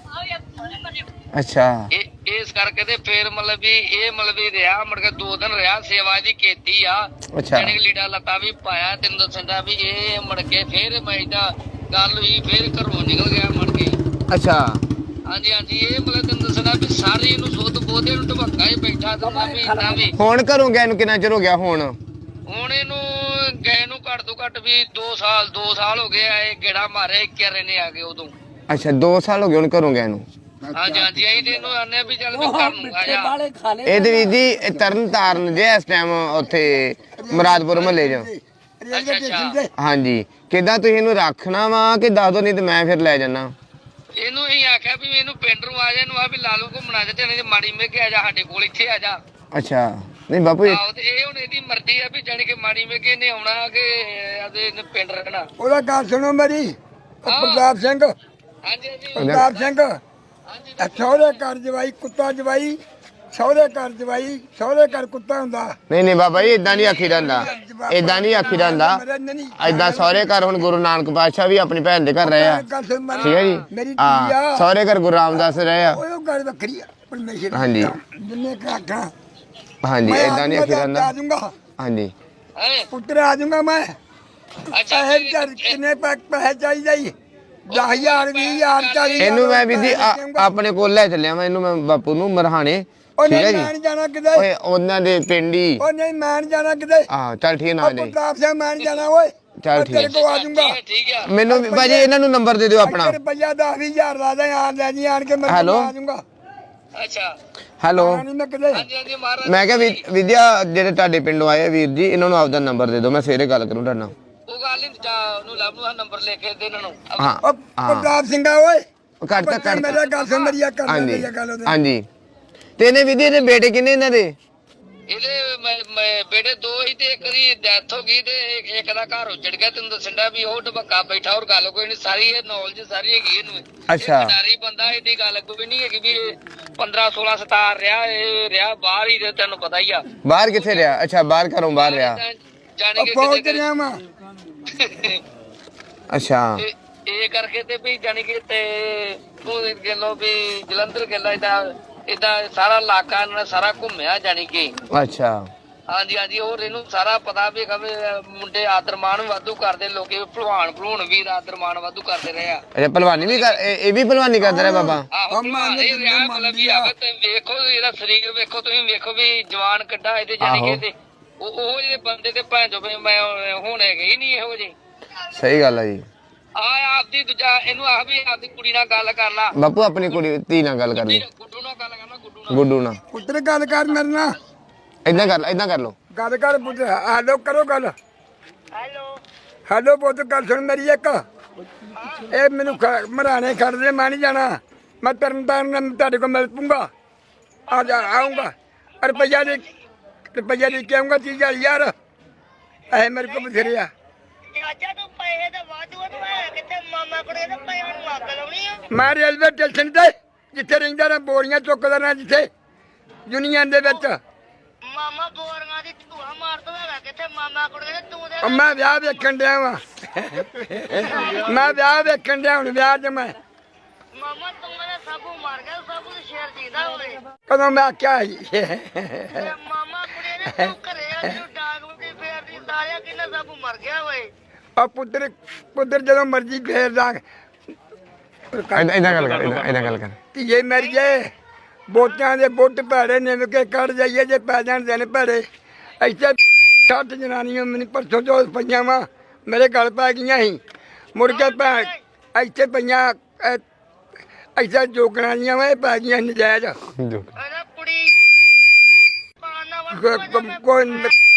ਅੱਛਾ। ਇਸ ਕਰਕੇ ਤੇ ਫੇਰ ਮਤਲਬ ਵੀ ਇਹ ਮਤਲਬ ਵੀ ਰਿਹਾ, ਮੁੜ ਕੇ 2 ਦਿਨ ਰਿਹਾ, ਸੇਵਾ ਦੀ ਕੀਤੀ ਆ। ਅੱਛਾ। ਜਿਹੜੇ ਲੀੜਾ ਲੱਤਾ ਵੀ ਪਾਇਆ, ਤੈਨੂੰ ਦੱਸਦਾ ਵੀ ਇਹ ਮੁੜ ਕੇ ਫੇਰ ਮੈਂ ਦਾ ਗੱਲ ਹੋਈ, ਫੇਰ ਘਰੋਂ ਨਿਕਲ ਗਿਆ ਮੁੜ ਕੇ। ਅੱਛਾ। ਹਾਂਜੀ ਹਾਂਜੀ, ਇਹ ਮਤਲਬ ਤੈਨੂੰ ਦੱਸਦਾ ਵੀ ਸਾਰੇ ਇਹਨੂੰ ਸੁੱਧ ਬੋਧੇ ਨੂੰ ਢਬੱਕਾ ਹੀ ਬੈਠਾ ਦਿੰਦਾ ਵੀ ਇੰਨਾ ਵੀ। ਹੁਣ ਘਰੋਂ ਗਏ ਨੂੰ ਕਿੰਨਾ ਚਿਰ ਹੋ ਗਿਆ ਹੁਣ ਇਹਨੂੰ ਗਏ ਨੂੰ ਘੱਟ ਤੋਂ ਘੱਟ ਵੀ 2 ਸਾਲ ਹੋ ਗਏ ਆ। ਇਹ ਗੇੜਾ ਮਾਰੇ ਕਿਰੇ ਨੇ ਆ ਗਏ ਉਦੋਂ। ਅੱਛਾ, 2 ਸਾਲ ਹੋ ਗਏ ਹੁਣ ਘਰੋਂ ਗਏ ਨੂੰ? ਹਾਂਜੀ ਹਾਂਜੀ, ਅਸੀਂ ਤੇ ਇਹਨੂੰ ਆਨੇ ਵੀ ਚੱਲ ਵੀ ਘਰ ਨੂੰ ਆ ਜਾ। ਇਹਦੇ ਵੀ ਜੀ ਤਰਨ ਤਾਰਨ ਜੇ ਇਸ ਟਾਈਮ ਉੱਥੇ ਮੁਰਾਦਪੁਰ ਮਹੱਲੇ 'ਚ। ਅੱਛਾ ਅੱਛਾ। ਹਾਂਜੀ, ਕਿੱਦਾਂ ਤੁਸੀਂ ਇਹਨੂੰ ਰੱਖਣਾ ਵਾ ਕਿ ਦੱਸ ਦੋ, ਨਹੀਂ ਤੇ ਮੈਂ ਫਿਰ ਲੈ ਜਾਣਾ ਇਹਨੂੰ ਅਸੀਂ ਆਖਿਆ ਵੀ ਇਹਨੂੰ ਪਿੰਡ ਨੂੰ ਆ ਜਾ, ਇਹਨੂੰ ਆ ਵੀ ਲਾਲੂ ਘੁੰਮਣਾ ਤੇ ਨਹੀਂ ਮਾੜੀ ਮੇਘੇ ਆ ਜਾ, ਸਾਡੇ ਕੋਲ ਇੱਥੇ ਆ ਜਾ। ਅੱਛਾ। ਨਹੀਂ ਬਾਪੂ ਜੀ, ਆਹੋ ਤੇ ਇਹ ਹੁਣ ਇਹਦੀ ਮਰਜ਼ੀ ਆ ਵੀ ਜਾਣੀ ਕਿ ਮਾੜੀ ਮੇਘੇ ਨੇ ਆਉਣਾ ਕਿ ਇਹਦੇ ਪਿੰਡ ਰਹਿਣਾ। ਉਹਦਾ ਗੱਲ ਸੁਣੋ ਮੇਰੀ। ਪ੍ਰਤਾਪ ਸਿੰਘ। ਹਾਂਜੀ ਹਾਂਜੀ ਪ੍ਰਤਾਪ ਸਿੰਘ ਹਾਂਜੀ। ਸਹੁਰੇ ਘਰ ਜਵਾਈ ਕੁੱਤਾ ਜਵਾਈ, ਸਹੁਰੇ ਘਰ ਜਵਾਈ, ਸਹੁਰੇ ਘਰ ਕੁੱਤਾ ਹੁੰਦਾ। ਨਹੀਂ ਨਹੀਂ ਬਾਬਾ ਜੀ, ਇਦਾਂ ਨਹੀਂ ਆਖੀਦਾ ਹੁੰਦਾ, ਇਦਾਂ ਨਹੀਂ ਆਖੀਦਾ ਹੁੰਦਾ। ਏਦਾਂ ਸਹੁਰੇ ਘਰ ਹੁਣ ਗੁਰੂ ਨਾਨਕ ਪਾਤਸ਼ਾਹ ਵੀ ਆਪਣੀ ਭੈਣ ਦੇ ਘਰ ਰਹੇ ਆ, ਠੀਕ ਹੈ ਜੀ। ਹਾਂ, ਸਹੁਰੇ ਘਰ ਗੁਰੂ ਰਾਮਦਾਸ ਰਹੇ ਆ। ਉਹ ਗੱਲ ਵੱਖਰੀ ਆ ਪਰਮੇਸ਼ਰ। ਹਾਂਜੀ ਜਿੰਨੇ ਆਖਾਂ। ਹਾਂਜੀ, ਇਦਾਂ ਨਹੀਂ ਆਖੀਦਾ ਆ ਹੁੰਦਾ। ਜਾਊਂਗਾ ਹਾਂਜੀ। ਪੁੱਤਰ ਆ ਜਾਊਂਗਾ ਮੈਂ। ਪੈਸੇ ਕਿੰਨੇ ਪੈਸੇ ਚਾਹੀਦੇ ਜੀ? 10,000 20,000 40,000। ਇਹਨੂੰ ਮੈਂ ਵੀ ਜੀ ਆਪਣੇ ਕੋਲ ਲੈ ਚੱਲਿਆ ਮੈਂ ਇਹਨੂੰ, ਮੈਂ ਬਾਪੂ ਨੂੰ ਮਰਹਾਣੇ, ਠੀਕ ਹੈ ਜੀ। ਮੈਂ ਨਹੀਂ ਜਾਣਾ ਕਿਤੇ। ਓਏ ਉਹਨਾਂ ਦੇ ਪਿੰਡ ਹੀ। ਉਹ ਨਹੀਂ ਮੈਂ ਨਹੀਂ ਜਾਣਾ ਕਿਤੇ। ਹਾਂ ਚੱਲ ਠੀਕ ਨਾ ਜੀ। ਪ੍ਰਤਾਪ ਸਿੰਘ ਮੈਂ ਨਹੀਂ ਜਾਣਾ ਓਏ। ਚੱਲ ਠੀਕ ਤੇਰੇ ਕੋਲ ਆ ਜਾਊਂਗਾ। ਠੀਕ ਆ। ਮੈਨੂੰ ਭਾਜੀ ਇਹਨਾਂ ਨੂੰ ਨੰਬਰ ਦੇ ਦਿਓ ਆਪਣਾ। ਰੁਪਈਆ 10,000 ਲਾ ਦੇ, ਆਣ ਲੈ ਜੀ, ਆਣ ਕੇ ਮੈਂ ਆ ਜਾਊਂਗਾ। ਅੱਛਾ ਹੈਲੋ ਨਹੀਂ ਮੈਂ ਕਿਤੇ ਹਾਂਜੀ ਹਾਂਜੀ ਮਹਾਰਾਜ ਮੈਂ ਕਿਹਾ ਵਿਦਿਆ ਜਿਹੜੇ ਤੁਹਾਡੇ ਪਿੰਡੋਂ ਆਏ ਆ ਵੀਰ ਜੀ ਇਹਨਾਂ ਨੂੰ ਆਪਦਾ ਨੰਬਰ ਦੇ ਦਿਓ ਮੈਂ ਸਵੇਰੇ ਗੱਲ ਕਰੂੰ ਤੁਹਾਡੇ ਨਾਲ ਉਹ ਗੱਲ ਨਹੀਂ ਉਹਨੂੰ ਲੱਭ ਨੂੰ ਨੰਬਰ ਲੈ ਕੇ ਦੇ ਇਹਨਾਂ ਨੂੰ ਹਾਂ ਉਹ ਪ੍ਰਤਾਪ ਸਿੰਘਾ ਓਏ ਕਰਤਾ ਮੇਰਾ ਗੱਲ ਸੁਣ ਮੇਰੀ ਆ ਕਰ ਹਾਂਜੀ ਮੇਰੀ ਗੱਲ ਉਹਦੇ ਹਾਂਜੀ ਤੇ ਇਹਨੇ ਵਿਦਿਆ ਦੇ ਬੇਟੇ ਕਿੰਨੇ ਇਹਨਾਂ ਦੇ ਇਹਦੇ ਬੇਟੇ ਦੋ ਹੀ ਤੇ ਇੱਕ ਦੀ ਡੈਥ ਹੋ ਗਈ ਤੇ ਇੱਕ ਦਾ ਘਰ ਉੱਜੜ ਗਿਆ ਤੈਨੂੰ ਦੱਸਣਾ ਵੀ ਉਹ ਢਬੱਕਾ ਬੈਠਾ ਹੋਰ ਗੱਲ ਕੋਈ ਨਹੀਂ ਸਾਰੀ ਇਹ ਨੌਲੇਜ ਸਾਰੀ ਹੈਗੀ ਇਹਨੂੰ ਅੱਛਾ। ਖਿਡਾਰੀ ਬੰਦਾ ਇਹਦੀ ਗੱਲ ਕੋਈ ਨਹੀਂ ਹੈਗੀ ਵੀ 15 16 17 ਰਿਹਾ ਇਹ ਰਿਹਾ ਬਾਹਰ ਹੀ ਤੇ ਤੈਨੂੰ ਪਤਾ ਹੀ ਆ ਬਾਹਰ ਕਿੱਥੇ ਰਿਹਾ ਅੱਛਾ ਬਾਹਰ ਘਰੋਂ ਬਾਹਰ ਰਿਹਾ ਜਾਣੇ ਕਿ ਪਹੁੰਚ ਰਿਹਾ ਮੈਂ ਅੱਛਾ ਇਹ ਕਰਕੇ ਤੇ ਵੀ ਜਾਣੀ ਕਿ ਤੇ ਤੂੰ ਗੱਲੋਂ ਵੀ ਜਲੰਧਰ ਗੱਲਾਂ ਇਦਾਂ ਸਾਰਾ ਇਲਾਕਾ ਇਹਨਾਂ ਨੇ ਸਾਰਾ ਘੁੰਮਿਆ ਜਾਣੀ ਕਿ ਅੱਛਾ ਹਾਂਜੀ ਹਾਂਜੀ ਹੋਰ ਇਹਨੂੰ ਸਾਰਾ ਪਤਾ ਵੀ ਕਵੇ ਮੁੰਡੇ ਆਦਰਮਾਨ ਵਾਧੂ ਕਰਦੇ ਲੋਕੀ ਭਲਵਾਨ ਵੀ ਆਦਰਮਾਨ ਵਾਧੂ ਕਰਦੇ ਰਹੇ ਆ ਅੱਛਾ ਪਹਿਲਵਾਨੀ ਵੀ ਇਹ ਵੀ ਪਹਿਲਵਾਨੀ ਕਰਦਾ ਰਿਹਾ ਬਾਬਾ ਆਹੋ ਇਹ ਰਿਹਾ ਮਤਲਬ ਵੀ ਆਵੇ ਤੇ ਵੇਖੋ ਇਹਦਾ ਸਰੀਰ ਵੇਖੋ ਤੁਸੀਂ ਵੇਖੋ ਵੀ ਜਵਾਨ ਕੱਢਾ ਇਹਦੇ ਜਾਣੀ ਕਿ ਤੇ ਉਹ ਜਿਹੜੇ ਬੰਦੇ ਤੇ ਭੈਣ ਜੋ ਮੈਂ ਹੁਣ ਹੈਗੇ ਹੀ ਨਹੀਂ ਇਹੋ ਜਿਹੇ ਸਹੀ ਗੱਲ ਹੈ ਜੀ ਆਪਦੀ ਦੂਜਾ ਇਹਨੂੰ ਆਹ ਵੀ ਆਪਦੀ ਕੁੜੀ ਨਾਲ ਗੱਲ ਕਰ ਲਾ ਬਾਪੂ ਆਪਣੀ ਕੁੜੀ ਧੀ ਨਾਲ ਗੱਲ ਕਰ ਲਈ ਗੁੱਡੂ ਨਾਲ ਗੱਲ ਕਰਨਾ ਗੁੱਡੂ ਨਾਲ ਪੁੱਤਰ ਗੱਲ ਕਰ ਮੇਰੇ ਨਾਲ ਏਦਾਂ ਕਰ ਲਓ ਗੱਲ ਕਰ ਪੁੱਤਰ ਹੈਲੋ ਕਰੋ ਗੱਲ ਹੈਲੋ ਪੁੱਤ ਗੱਲ ਸੁਣ ਮੇਰੀ ਇੱਕ ਇਹ ਮੈਨੂੰ ਮਰਾਣੇ ਖੜਦੇ ਮੈਂ ਨਹੀਂ ਜਾਣਾ ਮੈਂ ਤਰਨਤਾਰਨ ਤੁਹਾਡੇ ਕੋਲ ਮਿਲ ਪੂੰਗਾ ਆ ਜਾ ਆਉਂਗਾ ਰੁਪਈਆ ਦੇ ਕਹੂੰਗਾ 30,000 ਯਾਰ ਇਹ ਮੇਰੇ ਕੋਲ ਬਥੇਰੇ ਆ ਚਾਚਾ ਤੂੰ ਪੈਸੇ ਦਾ ਵਾਧੂ ਤੂੰ ਹੈ ਕਿੱਥੇ ਮਾਮਾ ਕੋਲੇ ਤਾਂ ਪੈਸੇ ਨੂੰ ਮੰਗ ਲਾਉਣੀ ਆ ਮੈਂ ਰੇਲਵੇ ਸਟੇਸ਼ਨ ਤੇ ਜਿੱਥੇ ਰਹਿੰਦਾ ਨਾ ਬੋਰੀਆਂ ਚੁੱਕਦਾ ਨਾ ਜਿੱਥੇ ਯੂਨੀਅਨ ਦੇ ਵਿੱਚ ਮਾਮਾ ਬੋਰੀਆਂ ਦੀ ਧੂਆ ਮਾਰਦਾ ਹੈਗਾ ਕਿੱਥੇ ਮਾਮਾ ਕੋਲੇ ਤੂੰ ਦੇ ਮੈਂ ਵਿਆਹ ਵੇਖਣ ਡਿਆ ਵਾਂ ਮੈਂ ਵਿਆਹ ਵੇਖਣ ਡਿਆ ਹੁਣ ਵਿਆਹ 'ਚ ਮੈਂ ਮਾਮਾ ਤੂੰ ਨੇ ਸਭੂ ਮਾਰ ਗਿਆ ਸਭੂ ਦੇ ਸ਼ੇਰ ਜੀਦਾ ਹੋਏ ਕਦੋਂ ਮੈਂ ਆਖਿਆ ਸੀ ਤੇ ਮਾਮਾ ਕੋਲੇ ਨੇ ਤੂੰ ਘਰੇ ਆ ਤੂੰ ਡਾਗ ਉੱਤੇ ਫੇਰਦੀ ਸਾਰਿਆ ਕਿੰਨਾ ਸਭੂ ਮਰ ਗਿਆ ਹੋਏ ਆ ਪੁੱਤਰ ਜਦੋਂ ਮਰਜੀ ਫੇਰਦਾ ਏਦਾਂ ਗੱਲ ਕਰ ਧੀਏ ਮਰੀਏ ਬੋਟਾਂ ਦੇ ਬੁੱਟ ਭੈੜੇ ਨਿਮ ਕੇ ਕੱਢ ਜਾਈਏ ਜੇ ਪੈ ਜਾਣ ਦਿਨ ਭੈੜੇ ਇੱਥੇ 60 ਜਨਾਨੀਆਂ ਮੈਨੂੰ ਪਰਸੋਂ ਜੋ ਪਈਆਂ ਵਾ ਮੇਰੇ ਗਲ ਪੈ ਗਈਆਂ ਸੀ ਮੁੜ ਕੇ ਭੈਣ ਇੱਥੇ ਪਈਆਂ ਇੱਥੇ ਜੋਗਣਾ ਦੀਆਂ ਵਾ ਇਹ ਪੈ ਗਈਆਂ ਨਜਾਇਜ਼ ਇਹਦਾ ਕੁੜੀ ਪਾਣਾ ਕੋਈ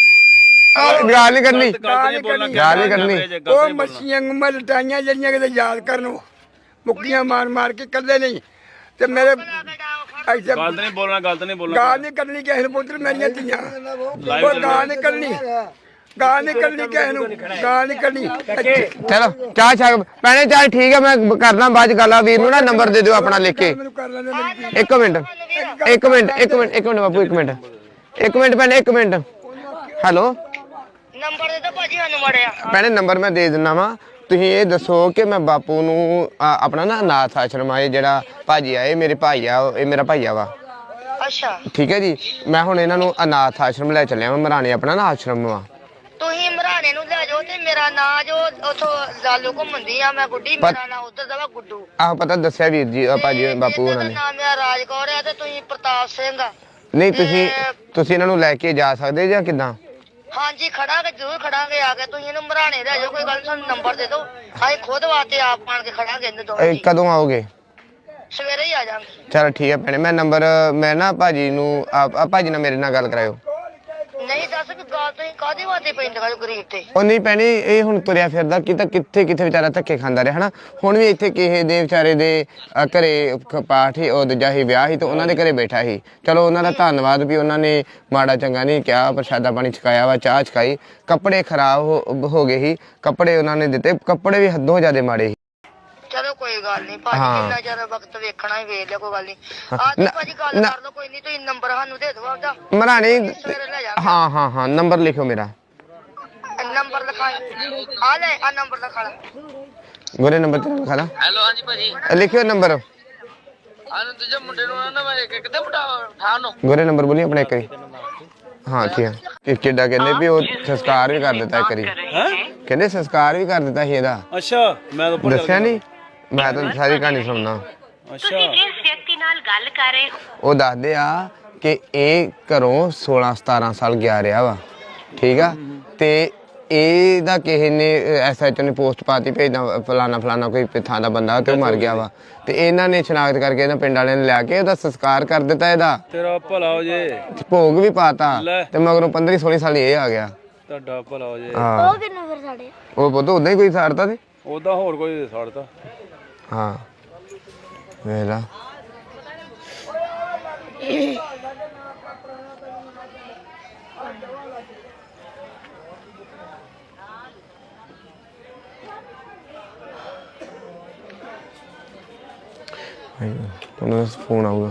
ਗੱਲ ਨਹੀਂ ਕਰਨੀ ਗੱਲ ਨਹੀਂ ਕਰਨੀ ਉਹ ਮੱਛੀਆਂ ਗੁੰਮਾਂ ਲਟਾਈਆਂ ਜਿਹੜੀਆਂ ਕਿਤੇ ਯਾਦ ਕਰਨ ਮੁੱਕੀਆਂ ਮਾਰ ਕੇ ਕੱਲੇ ਨਹੀਂ ਤੇ ਮੇਰੇ ਇੱਥੇ ਗਲਤ ਨਹੀਂ ਬੋਲਣਾ ਗਾਲ ਨਹੀਂ ਕਰਨੀ ਕਿਸੇ ਨੂੰ ਪੁੱਤਰ ਮੇਰੀਆਂ ਧੀਆਂ ਉਹ ਗਾਲ ਨਹੀਂ ਕਰਨੀ ਕਿਸੇ ਨੂੰ ਗਾਲ ਨਹੀਂ ਕਰਨੀ ਚਲੋ ਚਾਹ ਭੈਣੇ ਚਾਹ ਠੀਕ ਹੈ ਮੈਂ ਕਰਦਾ ਬਾਅਦ ਚ ਗੱਲ ਆ ਵੀਰ ਨੂੰ ਨਾ ਨੰਬਰ ਦੇ ਦਿਓ ਆਪਣਾ ਲਿਖ ਕੇ ਮੈਨੂੰ ਕਰ ਲੈਂਦੇ ਇੱਕ ਮਿੰਟ ਬਾਪੂ ਇੱਕ ਮਿੰਟ ਭੈਣੇ ਇੱਕ ਮਿੰਟ ਹੈਲੋ ਨੰਬਰ ਦੇ ਤਾਂ ਭਾਜੀ ਸਾਨੂੰ ਮੜਿਆ ਭੈਣੇ ਨੰਬਰ ਮੈਂ ਦੇ ਦਿੰਦਾ ਵਾ ਤੁਸੀਂ ਇਹ ਦੱਸੋ ਕਿ ਮੈਂ ਬਾਪੂ ਨੂੰ ਆਪਣਾ ਨਾ ਅਨਾਥ ਆਸ਼ਰਮ ਆਏ ਜਿਹੜਾ ਭਾਜੀ ਆਏ ਮੇਰੇ ਭਾਈ ਆ ਇਹ ਮੇਰਾ ਭਾਈਆ ਵਾ ਅੱਛਾ ਠੀਕ ਹੈ ਜੀ ਮੈਂ ਹੁਣ ਇਹਨਾਂ ਨੂੰ ਅਨਾਥ ਆਸ਼ਰਮ ਲੈ ਚੱਲਿਆ ਵਾ ਮਰਾਣੇ ਆਪਣਾ ਨਾ ਆਸ਼ਰਮ ਵਾ ਤੁਸੀਂ ਮਰਾਣੇ ਨੂੰ ਲੈ ਜਾਓ ਤੇ ਮੇਰਾ ਨਾਂ ਜੋ ਉਥੋਂ ਲਾਲੂ ਘੁੰਮਦੀ ਆ ਮੈਂ ਗੁੱਡੀ ਮੇਰਾ ਨਾਂ ਉਧਰ ਦਾ ਵਾ ਗੁੱਡੂ ਆਹ ਪਤਾ ਦੱਸਿਆ ਵੀਰ ਜੀ ਭਾਜੀ ਬਾਪੂ ਉਹਨਾਂ ਨੇ ਨਾਮ ਮੇਰਾ ਰਾਜਕੌਰ ਆ ਤੇ ਤੁਸੀਂ ਪ੍ਰਤਾਪ ਸਿੰਘ ਆ ਨਹੀਂ ਤੁਸੀਂ ਇਹਨਾਂ ਨੂੰ ਲੈ ਕੇ ਜਾ ਸਕਦੇ ਜਾਂ ਕਿੱਦਾਂ ਹਾਂਜੀ ਖੜਾਂਗੇ ਜ਼ਰੂਰ ਖੜਾਂਗੇ ਆ ਕੇ ਤੁਸੀਂ ਇਹਨੂੰ ਮਰਾਣੇ ਲੈ ਜਾਓ ਕੋਈ ਗੱਲ ਨੀ, ਸਾਨੂੰ ਨੰਬਰ ਦੇ ਦਿਓ ਅਸੀਂ ਖੁਦ ਵਾਸਤੇ ਆਪ ਆਣ ਕੇ ਖੜਾਂਗੇ ਇਹਨੂੰ ਦੋਵੇਂ ਜੀ। ਕਦੋਂ ਆਓਗੇ ਸਵੇਰੇ ਹੀ ਆ ਜਾਵਾਂਗੇ ਚਲੋ ਠੀਕ ਹੈ ਭੈਣੇ ਮੈਂ ਨਾ ਭਾਜੀ ਨੂੰ ਭਾਜੀ ਨਾਲ ਮੇਰੇ ਨਾਲ ਗੱਲ ਕਰਾਇਓ ਨਹੀਂ ਦੱਸ ਵੀ ਗੱਲ ਤੁਸੀਂ ਕਾਹਦੀ ਵਾਸਤੇ ਪੈਂਦੇ ਹੋ ਗਰੀਬ ਤੇ ਉਹ ਨਹੀਂ ਭੈਣੇ ਇਹ ਹੁਣ ਤੁਰਿਆ ਫਿਰਦਾ ਕਿੱਥੇ ਵਿਚਾਰਾ ਧੱਕੇ ਖਾਂਦਾ ਰਿਹਾ ਹਨਾ ਹੁਣ ਵੀ ਇੱਥੇ ਕਿਸੇ ਦੇ ਵਿਚਾਰੇ ਦੇ ਘਰੇ ਪਾਠ ਹੀ ਉਹ ਦੂਜਾ ਹੀ ਵਿਆਹ ਹੀ ਤੇ ਉਹਨਾਂ ਦੇ ਘਰੇ ਬੈਠਾ ਸੀ ਚਲੋ ਉਹਨਾਂ ਦਾ ਧੰਨਵਾਦ ਵੀ ਉਹਨਾਂ ਨੇ ਮਾੜਾ ਚੰਗਾ ਨਹੀਂ ਕਿਹਾ ਪ੍ਰਸ਼ਾਦਾ ਪਾਣੀ ਛਕਾਇਆ ਵਾ ਚਾਹ ਛਕਾਈ ਕੱਪੜੇ ਖਰਾਬ ਹੋ ਗਏ ਸੀ ਕੱਪੜੇ ਉਹਨਾਂ ਨੇ ਦਿੱਤੇ ਕੱਪੜੇ ਵੀ ਹੱਦੋਂ ਜ਼ਿਆਦਾ ਮਾੜੇ ਸੀ ਚਲੋ ਕੋਈ ਗੱਲ ਨਹੀਂ ਭਾਜੀ ਕਿੰਨਾ ਜ਼ਿਆਦਾ ਵਕਤ ਵੇਖਣਾ ਹੀ ਵੇਖ ਲਿਆ ਕੋਈ ਗੱਲ ਨਹੀਂ ਅੱਜ ਭਾਜੀ ਗੱਲ ਕਰ ਲਓ ਕੋਈ ਨਹੀਂ ਤੁਸੀਂ ਨੰਬਰ ਸਾਨੂੰ ਦੇ ਦਿਓ ਆਪਦਾ ਮਰਾਣੇ ਸਵੇਰੇ ਲੈ ਜਾ ਹਾਂ ਨੰਬਰ ਲਿਖੋ ਮੇਰਾ ਨੰਬਰ ਲਿਖਾਈ ਆ ਲੈ ਆ ਨੰਬਰ ਲਿਖਾ ਲੈ ਗੋਰੇ ਨੰਬਰ ਤੇ ਲਿਖਾ ਲਾ ਹੈਲੋ ਹਾਂਜੀ ਭਾਜੀ ਲਿਖਿਓ ਨੰਬਰ ਆਨੰਦ ਦੂਜੇ ਮੁੰਡੇ ਨੂੰ ਨਾ ਮੈਂ ਕਿੱਦਾਂ ਉਠਾ ਨੂੰ ਗੋਰੇ ਨੰਬਰ ਬੋਲੀ ਆਪਣੇ ਇੱਕ ਵਾਰੀ ਹਾਂ ਠੀਕ ਹੈ ਕਿ ਕਿੱਡਾ ਕਹਿੰਦੇ ਵੀ ਉਹ ਸੰਸਕਾਰ ਵੀ ਕਰ ਦਿੱਤਾ ਇੱਕ ਵਾਰੀ ਕਹਿੰਦੇ ਸੰਸਕਾਰ ਵੀ ਕਰ ਦਿੱਤਾ ਸੀ ਇਹਦਾ ਅੱਛਾ ਮੈਂ ਤਾਂ ਦੱਸਿਆ ਨਹੀਂ ਮੈਂ ਤਾਂ ਸਾਰੀ ਕਹਾਣੀ ਸੁਣਨਾ ਅੱਛਾ ਜਿਸ ਵਿਅਕਤੀ ਨਾਲ ਗੱਲ ਕਰ ਰਹੇ ਹੋ ਉਹ ਦੱਸਦੇ ਆ ਕਿ ਇਹ ਘਰੋਂ 16-17 ਸਾਲ ਗਿਆ ਰਿਹਾ ਵਾ ਠੀਕ ਆ ਤੇ ਇਹਦਾ ਕਿਸੇ ਨੇ ਐਸਐਚਓ ਨੇ ਪੋਸਟ ਪਾਤੀ ਭੇਜਦਾ ਫਲਾਣਾ ਕੋਈ ਥਾਂ ਦਾ ਬੰਦਾ ਤੇ ਉਹ ਮਰ ਗਿਆ ਵਾ ਤੇ ਇਹਨਾਂ ਨੇ ਸ਼ਨਾਖਤ ਕਰਕੇ ਇਹਨਾਂ ਪਿੰਡ ਵਾਲਿਆਂ ਨੇ ਲਿਆ ਕੇ ਉਹਦਾ ਸੰਸਕਾਰ ਕਰ ਦਿੱਤਾ ਇਹਦਾ ਤੇਰਾ ਭਲਾ ਹੋ ਜੇ ਭੋਗ ਵੀ ਪਾਤਾ ਤੇ ਮਗਰੋਂ 15-16 ਸਾਲ ਇਹ ਆ ਗਿਆ ਤੁਹਾਡਾ ਭਲਾ ਹੋ ਜੇ ਹਾਂ ਉਹ ਕਿੰਨੂੰ ਫਿਰ ਸਾਡੇ ਉਹ ਪੁੱਤ ਉਦਾਂ ਹੀ ਕੋਈ ਸਾੜਤਾ ਤੇ ਉਹਦਾ ਹੋਰ ਕੋਈ ਛੱਡਤਾ ਹਾਂ ਵੇਲਾ ਤੁਹਾਨੂੰ ਫੋਨ ਆਊਗਾ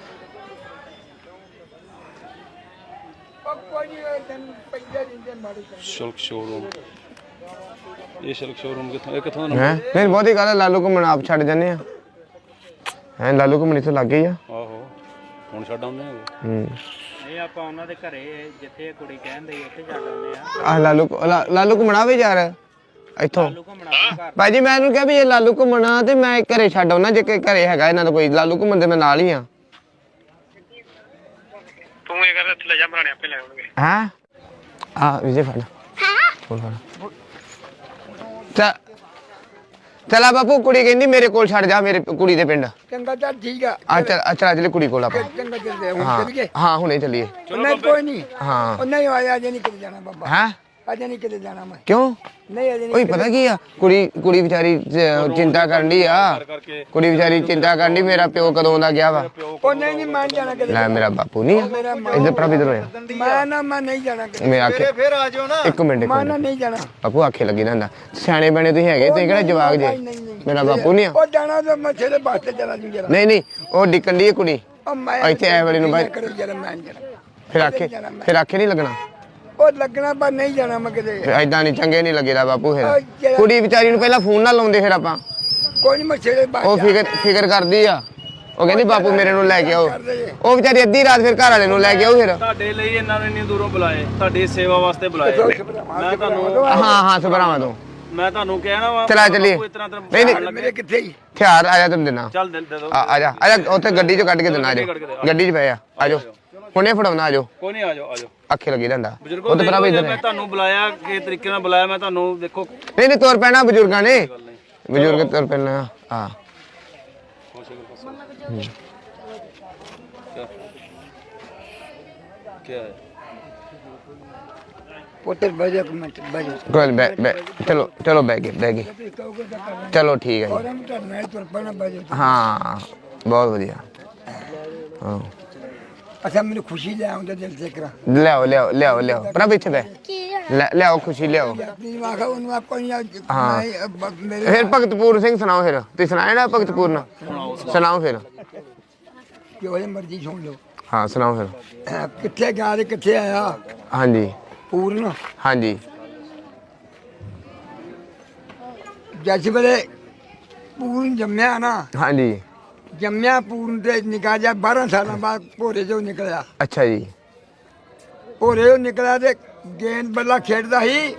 ਸ਼ਲਕ ਸ਼ੋਰੂਮ ਇਹ ਸ਼ਲਕ ਸ਼ੋਰੂਮ ਕਿੱਥੋਂ ਦਾ ਹੈ ਨਹੀਂ ਬਹੁਤੀ ਗੱਲ ਹੈ ਲਾਲੂ ਘੁੰਮਣ ਆਪ ਛੱਡ ਜਾਂਦੇ ਆ ਹੈ ਲਾਲੂ ਘੁੰਮਣ ਇੱਥੇ ਲੱਗ ਗਈ ਆ ਆਹੋ ਹੁਣ ਛੱਡ ਆਉਂਦੇ ਆ ਇਹ ਆਪਾਂ ਉਹਨਾਂ ਦੇ ਘਰੇ ਜਿੱਥੇ ਕੁੜੀ ਕਹਿੰਦੇ ਉੱਥੇ ਛੱਡ ਆਉਂਦੇ ਆ ਆ ਲਾਲੂ ਘੁੰਮਣਾ ਵੀ ਯਾਰ ਇੱਥੋਂ ਭਾਈ ਜੀ ਮੈਂ ਇਹਨੂੰ ਕਿਹਾ ਵੀ ਇਹ ਲਾਲੂ ਘੁੰਮਣਾ ਤੇ ਮੈਂ ਘਰੇ ਛੱਡ ਆਉਣਾ ਜੇ ਘਰੇ ਹੈਗਾ ਇਹਨਾਂ ਦਾ ਕੋਈ ਲਾਲੂ ਘੁੰਮਣ ਦੇ ਮੈਂ ਨਾਲ ਹੀ ਆ ਤੂੰ ਇਹ ਕਰ ਇੱਥੇ ਲੈ ਜਾ ਬਣਾਣੇ ਆਪੇ ਲੈ ਆਉਣਗੇ ਹਾਂ ਆ ਵਿਜੇ ਫੜ ਫੜ ਚਲਾ ਬਾਪੂ ਕੁੜੀ ਕਹਿੰਦੀ ਮੇਰੇ ਕੋਲ ਛੱਡ ਜਾ ਮੇਰੇ ਕੁੜੀ ਦੇ ਪਿੰਡ ਚੰਗਾ ਚੱਲ ਠੀਕ ਆ ਆ ਚੱਲ ਚਲੇ ਕੁੜੀ ਕੋਲ ਆਪਾਂ ਚੰਗਾ ਚੱਲਦੇ ਹੁਣ ਹਾਂ ਚੱਲੀਏ ਹਾਂ ਹੁਣੇ ਚੱਲੀਏ ਨਹੀਂ ਕੋਈ ਨਹੀਂ ਹਾਂ ਉਹ ਨਹੀਂ ਆਇਆ ਅਜੇ ਨਹੀਂ ਕਿਤੇ ਜਾਣਾ ਬਾਬਾ ਹੈ ਅਜੇ ਨਹੀਂ ਕਿਤੇ ਜਾਣਾ ਮੈਂ ਕਿਉਂ ਨਹੀਂ ਅਜੇ ਓਏ ਨਹੀਂ ਪਤਾ ਕੀ ਆ ਕੁੜੀ ਵਿਚਾਰੀ ਚਿੰਤਾ ਕਰਨ ਦੀ ਆ ਕੁੜੀ ਵਿਚਾਰੀ ਚਿੰਤਾ ਕਰਨ ਦੀ ਮੇਰਾ ਪਿਓ ਕਦੋਂ ਦਾ ਗਿਆ ਵਾ ਉਹ ਨਹੀਂ ਮੈਂ ਜਾਣਾ ਕਿਤੇ ਲੈ ਮੇਰਾ ਬਾਪੂ ਨਹੀਂ ਇੱਧਰ ਪ੍ਰਭ ਇੱਧਰ ਹੋਇਆ ਮੈਂ ਨਹੀਂ ਜਾਣਾ ਕਿਤੇ ਮੈਂ ਆਖੇ ਫਿਰ ਆ ਜਾਓ ਨਾ ਇੱਕ ਮਿੰਟ ਮੈਂ ਨਹੀਂ ਜਾਣਾ ਬਾਪੂ ਆਖੇ ਲੱਗੀ ਰਹਿੰਦਾ ਸਿਆਣੇ ਬਣੇ ਤੁਸੀਂ ਹੈਗੇ ਤੁਸੀਂ ਕਿਹੜਾ ਜਵਾਕ ਜੇ ਮੇਰਾ ਬਾਪੂ ਨਹੀਂ ਆ ਉਹ ਜਾਣਾ ਤਾਂ ਮੈਂ ਛੇੜੇ ਬਾਸਤੇ ਚਲਾ ਜੂ ਜਰਾ ਨਹੀਂ ਉਹ ਡਿੱਕਣ ਦੀ ਕੁੜੀ ਉਹ ਮੈਂ ਇੱਥੇ ਐ ਵਾਲੀ ਨੂੰ ਬਾਈ ਕਰੋ ਜਰਾ ਮੈਂ ਜਾਣਾ ਫਿਰ ਆਖੇ ਨਹੀਂ ਲੱਗਣਾ ਉਹ ਲੱਗਣਾ ਪਰ ਨਹੀਂ ਜਾਣਾ ਮੈਂ ਕਿਤੇ ਐਦਾਂ ਨਹੀਂ ਚੰਗੇ ਨਹੀਂ ਲੱਗੇਦਾ ਬਾਪੂ ਫਿਰ ਕੁੜੀ ਵਿਚਾਰੀ ਨੂੰ ਪਹਿਲਾਂ ਫੋਨ ਨਾ ਲਾਉਂਦੇ ਫਿਰ ਆਪਾਂ ਕੋਈ ਨਹੀਂ ਮੈਂ ਛੇੜੇ ਉਹ ਫਿਕਰ ਕਰਦੀ ਆ ਉਹ ਕਹਿੰਦੀ ਬਾਪੂ ਮੇਰੇ ਨੂੰ ਲੈ ਕੇ ਆਓ ਉਹ ਵਿਚਾਰੀ ਅੱਧੀ ਰਾਤ ਫਿਰ ਘਰ ਵਾਲੇ ਨੂੰ ਲੈ ਕੇ ਆਓ ਫਿਰ ਤੁਹਾਡੇ ਲਈ ਇਹਨਾਂ ਨੇ ਇੰਨੀ ਦੂਰੋਂ ਬੁਲਾਏ ਤੁਹਾਡੀ ਸੇਵਾ ਵਾਸਤੇ ਬੁਲਾਏ ਮੈਂ ਤੁਹਾਨੂੰ ਹਾਂ ਸੁਭਰਾਵਾਂ ਤੋਂ ਮੈਂ ਤੁਹਾਨੂੰ ਕਹਿਣਾ ਵਾ ਚਲਾ ਚੱਲੀਏ ਨਹੀਂ ਮੇਰੇ ਕਿੱਥੇ ਹੀ ਹਥਿਆਰ ਆ ਜਾ ਤੈਨੂੰ ਦੇਣਾ ਚੱਲ ਦੇ ਦੋ ਆ ਜਾ ਉੱਥੇ ਗੱਡੀ ਚੋਂ ਕੱਢ ਕੇ ਦੇਣਾ ਆ ਜਾ ਗੱਡੀ 'ਚ ਪਏ ਆ ਜਾਓ ਹੁਣੇ ਫੜਾਉਣਾ ਆ ਜਾਓ ਕੋਈ ਨਹੀਂ ਆ ਜਾਓ ਅੱਖੇ ਲੱਗੀ ਰਹਿੰਦਾ ਬਜ਼ੁਰਗੋ ਉਹ ਤਾਂ ਭਰਾ ਵੀ ਮੈਂ ਤੁਹਾਨੂੰ ਬੁਲਾਇਆ ਕਿਸ ਤਰੀਕੇ ਨਾਲ ਬੁਲਾਇਆ ਮੈਂ ਤੁਹਾਨੂੰ ਦੇਖੋ ਨਹੀਂ ਤੁਰ ਪੈਣਾ ਬਜ਼ੁਰਗਾਂ ਨੇ ਬਜ਼ੁਰਗ ਤੁਰ ਪੈਣਾ ਹਾਂ ਕੀ ਹੈ ਪੁੱਤਰ ਬਜੇ ਮਿੰਟ ਬਜੇ ਕੋਲ ਬੈ ਚਲੋ ਬੈ ਗਏ ਚਲੋ ਠੀਕ ਹੈ ਜੀ ਔਰ ਮੈਂ ਤੁਹਾਡੇ ਤੁਰ ਪੈਣਾ ਬਜੇ ਹਾਂ ਬਹੁਤ ਵਧੀਆ ਹਾਂ ਅੱਛਾ ਮੈਨੂੰ ਖੁਸ਼ੀ ਲੈ ਆਉਂਦਾ ਦਿਲ ਸੇ ਕਰਾ ਲਿਆਓ ਪ੍ਰਭ ਇੱਥੇ ਬੈ ਲਿਆਓ ਖੁਸ਼ੀ ਲਿਆਓ ਆਪਣੀ ਵਾਖਾ ਉਹਨੂੰ ਆਪਾਂ ਹਾਂ। ਮੇਰੇ ਫਿਰ ਭਗਤਪੂਰ ਸਿੰਘ ਸੁਣਾਓ ਫਿਰ ਤੁਸੀਂ ਸੁਣਾਇਆ ਨਾ ਭਗਤਪੂਰ ਨਾ ਸੁਣਾਓ ਫਿਰ ਜੋ ਮਰਜ਼ੀ ਸੁਣ ਲਓ ਹਾਂ ਸੁਣਾਓ ਫਿਰ ਕਿੱਥੇ ਗਿਆ ਤੇ ਕਿੱਥੇ ਆਇਆ ਹਾਂਜੀ ਪੂਰਨ ਹਾਂਜੀ ਜੱਜ ਵੇਲੇ ਪੂਰਨ ਜੰਮਿਆ ਨਾ ਹਾਂਜੀ ਜੰਮਿਆ ਪੂਰਨ ਤੇ ਨਿਕਾ ਜਾ 12 ਸਾਲਾਂ ਬਾਅਦ ਭੋਰੇ ਚੋਂ ਨਿਕਲਿਆ ਅੱਛਾ ਜੀ ਭੋਰੇ ਚੋਂ ਨਿਕਲਿਆ ਤੇ ਗੇਂਦ ਬੱਲਾ ਖੇਡਦਾ ਸੀ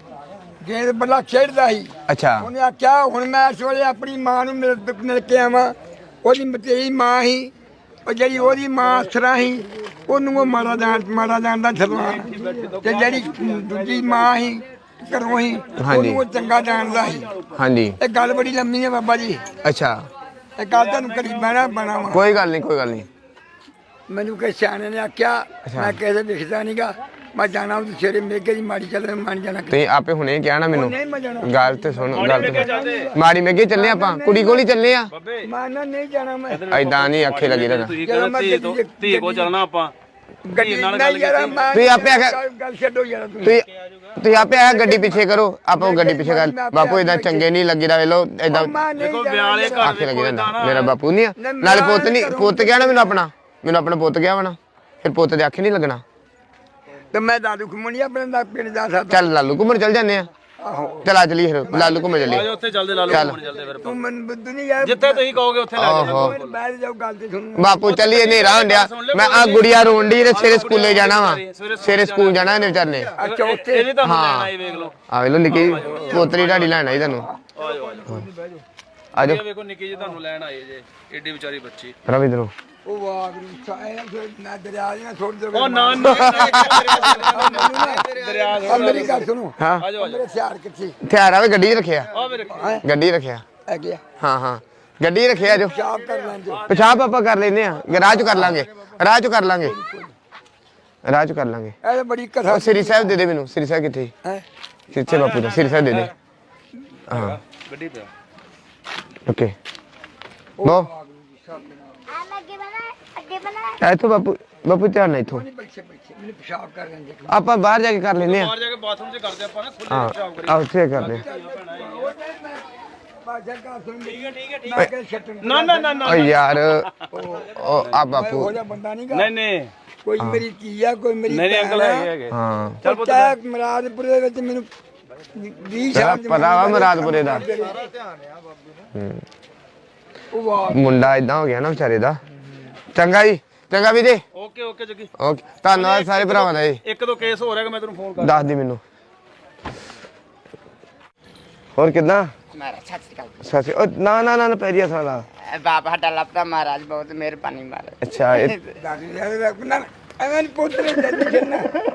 ਅੱਛਾ ਉਹਨੇ ਆਖਿਆ ਹੁਣ ਮੈਂ ਇਸ ਵੇਲੇ ਆਪਣੀ ਮਾਂ ਨੂੰ ਮਿਲ ਕੇ ਆਵਾਂ ਉਹਦੀ ਮਤੇਈ ਮਾਂ ਸੀ ਉਹ ਜਿਹੜੀ ਉਹਦੀ ਮਾਂ ਅਸਰਾ ਸੀ ਉਹਨੂੰ ਉਹ ਮਾਰਾ ਜਾਣਦਾ ਛਲਵਾ ਤੇ ਜਿਹੜੀ ਦੂਜੀ ਮਾਂ ਸੀ ਘਰੋਂ ਸੀ ਉਹਨੂੰ ਉਹ ਚੰਗਾ ਜਾਣਦਾ ਸੀ ਹਾਂਜੀ ਇਹ ਗੱਲ ਬੜੀ ਲੰਮੀ ਹੈ ਬਾਬਾ ਜੀ ਅੱਛਾ ਇਹ ਗੱਲ ਤੁਹਾਨੂੰ ਕਰੀ ਬਹਿਣਾ ਵਾ ਕੋਈ ਗੱਲ ਨਹੀਂ ਮੈਨੂੰ ਕਿਸੇ ਸਿਆਣੇ ਨੇ ਆਖਿਆ ਮੈਂ ਕਿਸੇ ਵਿਖਦਾ ਨਹੀਂਗਾ ਮੈਂ ਜਾਣਾ ਉਹ ਸਵੇਰੇ ਮੇਗੇ ਦੀ ਮਾੜੀ ਚੱਲ ਮੰਨ ਜਾਣਾ ਤੁਸੀਂ ਆਪੇ ਹੁਣੇ ਕਿਹਾ ਨਾ ਮੈਨੂੰ ਨਹੀਂ ਮੈਂ ਜਾਣਾ ਗੱਲ ਤੇ ਸੁਣ ਮਾੜੀ ਮੇਗੇ ਚੱਲੇ ਆਪਾਂ ਕੁੜੀ ਕੋਲ ਹੀ ਚੱਲੇ ਆ ਮੈਂ ਨਹੀਂ ਜਾਣਾ ਮੈਂ ਐਦਾਂ ਨਹੀਂ ਅੱਖੇ ਲੱਗੀ ਰਹਿਣਾ ਤੁਸੀਂ ਕਹਿੰਦੇ ਧੀ ਕੋ ਚੱਲਣਾ ਆਪਾਂ ਗੱਡੀ ਨਾਲ ਗੱਲ ਤੁਸੀਂ ਆਪੇ ਗੱਲ ਛੱਡੋ ਯਾਰ ਤੁਸੀਂ ਆਪੇ ਆ ਗੱਡੀ ਪਿੱਛੇ ਕਰੋ ਆਪਾਂ ਗੱਡੀ ਪਿੱਛੇ ਕਰ ਬਾਪੂ ਇਦਾਂ ਚੰਗੇ ਨਹੀਂ ਲੱਗੀਦਾ ਵੇ ਲੋ ਇਦਾਂ ਦੇਖੋ ਵਿਆਲੇ ਘਰ ਅੱਖੇ ਲੱਗੀ ਰਹਿੰਦਾ ਮੇਰਾ ਬਾਪੂ ਨਹੀਂ ਆ ਨਾਲੇ ਪੁੱਤ ਗਿਆ ਨਾ ਮੈਨੂੰ ਆਪਣਾ ਪੁੱਤ ਗਿਆ ਵਾ ਨਾ ਫਿਰ ਪੁੱਤ ਦੇ ਅੱਖੇ ਨਹੀਂ ਲੱਗਣਾ ਤੇ ਮੈਂ ਦਾਦੂ ਘੁੰਮਣੀ ਆਪਣੇ ਦਾ ਪਿੰਡ ਜਾ ਸਕਦਾ ਚੱਲ ਲਾਲੂ ਘੁੰਮਣ ਚੱਲ ਜਾਂਦੇ ਆ ਚਲਾ ਚਲੀ ਫਿਰ ਲਾਲੂ ਘੁੰਮਣ ਚੱਲੀ ਆਜੋ ਉੱਥੇ ਚੱਲਦੇ ਲਾਲੂ ਘੁੰਮਣ ਚੱਲਦੇ ਫਿਰ ਤੂੰ ਮੈਨੂੰ ਬੁੱਧ ਨਹੀਂ ਯਾਰ ਜਿੱਥੇ ਤੁਸੀਂ ਕਹੋਗੇ ਉੱਥੇ ਲੈ ਜਾਣਾ ਬੈਠ ਜਾਓ ਗੱਲ ਤੇ ਸੁਣ ਬਾਪੂ ਚੱਲੀਏ ਹਨੇਰਾ ਹੁੰਦਿਆ ਮੈਂ ਆ ਗੁੜੀਆ ਰੋਣ ਦੀ ਤੇ ਸਵੇਰੇ ਸਕੂਲੇ ਜਾਣਾ ਵਾ ਸਵੇਰੇ ਸਕੂਲ ਜਾਣਾ ਇਹਨੇ ਵਿਚਾਰਨੇ ਅੱਛਾ ਉੱਥੇ ਇਹ ਵੀ ਤੁਹਾਨੂੰ ਲੈਣਾ ਹੀ ਵੇਖ ਲਓ ਆ ਵੇਖ ਲੋ ਨਿੱਕੀ ਪੋਤਰੀ ਢਾਡੀ ਲੈਣ ਆਈ ਤੁਹਾਨੂੰ ਆਜੋ ਆਜੋ ਇਹ ਵੇਖੋ ਨਿੱਕੀ ਜੀ ਤੁਹਾਨੂੰ ਲੈਣ ਆਏ ਜੇ ਏਡੀ ਵਿਚਾਰੀ ਬੱਚੀ ਰਵਿੰਦਰੋ ਉਹ ਵਾਗਰੂ ਸਾਇਆ ਨਾ ਦਰਿਆ ਨਾ ਛੋੜ ਦੇ ਉਹ ਨਾ ਦਰਿਆ ਆ ਮੇਰੀ ਗੱਲ ਸੁਣੋ ਹਾਂ ਆ ਜਾਓ ਮੇਰੇ ਹਥਿਆਰ ਕਿੱਥੇ ਹਥਿਆਰ ਆਵੇ ਗੱਡੀ 'ਚ ਰੱਖਿਆ ਆ ਮੇਰੇ ਗੱਡੀ 'ਚ ਰੱਖਿਆ ਆ ਗਿਆ ਹਾਂ ਹਾਂ ਗੱਡੀ 'ਚ ਰੱਖਿਆ ਜੋ ਸ਼ਾਪ ਕਰ ਲੈਂਦੇ ਪਿਸ਼ਾਬ ਆਪਾਂ ਕਰ ਲੈਨੇ ਆ ਰਾਹ 'ਚ ਕਰ ਲਾਂਗੇ ਰਾਹ 'ਚ ਕਰ ਲਾਂਗੇ ਰਾਹ 'ਚ ਕਰ ਲਾਂਗੇ ਇਹ ਤਾਂ ਬੜੀ ਕਥਾ ਉਹ ਸ੍ਰੀ ਸਾਹਿਬ ਦੇ ਦੇ ਮੈਨੂੰ ਸ੍ਰੀ ਸਾਹਿਬ ਕਿੱਥੇ ਹੈ ਕਿੱਥੇ ਬਾਪੂ ਦਾ ਸ੍ਰੀ ਸਾਹਿਬ ਦੇ ਦੇ ਹਾਂ ਗੱਡੀ ਤੇ ਓਕੇ ਲੋ ਇੱਥੋਂ ਬਾਪੂ ਬਾਪੂ ਧਿਆਨ ਨਾਲ ਇੱਥੋਂ ਬੱਚੇ ਮੈਨੂੰ ਪਿਸ਼ਾਬ ਕਰ ਲੈਂਦੇ ਆਪਾਂ ਬਾਹਰ ਜਾ ਕੇ ਕਰ ਲੈਨੇ ਆ ਬਾਹਰ ਜਾ ਕੇ ਬਾਥਰੂਮ 'ਚ ਕਰਦੇ ਆਪਾਂ ਨਾ ਖੁੱਲੇ ਹਾਂ ਪਿਸ਼ਾਬ ਕਰੀ ਆ ਉੱਥੇ ਕਰਦੇ ਬਾਜਾ ਕਾ ਸੁਣ ਠੀਕ ਹੈ ਮੈਂ ਕਿਹਾ ਛੱਟਣ ਨਾ ਓ ਯਾਰ ਉਹ ਆ ਬਾਪੂ ਹੋ ਜਾ ਬੰਦਾ ਨਹੀਂ ਗਾ ਨਹੀਂ ਕੋਈ ਮੇਰੀ ਧੀ ਆ ਕੋਈ ਮੇਰੀ ਨਹੀਂ ਅੰਕਲ ਹੈਗੇ ਹਾਂ ਚੱਲ ਪੁੱਤ ਮਰਾਦਪੁਰ ਦੇ ਵਿੱਚ ਮੈਨੂੰ 20 ਸਾਲ ਪਤਾ ਵਾ ਮੁਰਾਦਪੁਰੇ ਦਾ ਉਹ ਵਾਹ ਮੁੰਡਾ ਇਦਾਂ ਹੋ ਗਿਆ ਨਾ ਵਿਚਾਰੇ ਦਾ ਚੰਗਾ ਜੀ ਚੰਗਾ ਵੀ ਜੀ ਓਕੇ ਜੱਗੀ ਓਕੇ ਧੰਨਵਾਦ ਸਾਰੇ ਭਰਾਵਾਂ ਦਾ ਜੀ ਇੱਕ ਦੋ ਕੇਸ ਹੋ ਰਿਹਾ ਕਿ ਮੈਂ ਤੈਨੂੰ ਫੋਨ ਕਰ ਦੱਸ ਦੀ ਮੈਨੂੰ ਹੋਰ ਕਿੱਦਾਂ महाराज सत श्री अकाल ਸੱਚੀ ਉਹ ਨਾ ਪੈਰੀਆ ਸਾਲਾ बाबा डलपता महाराज बहुत मेहरबानी महाराज ਅੱਛਾ ਇਹ ਦਾਦੀ ਦੇ ਰੱਖਣਾ ਐਵੇਂ ਪੁੱਤ ਨੇ ਜੱਦੀ ਛੱਡਣਾ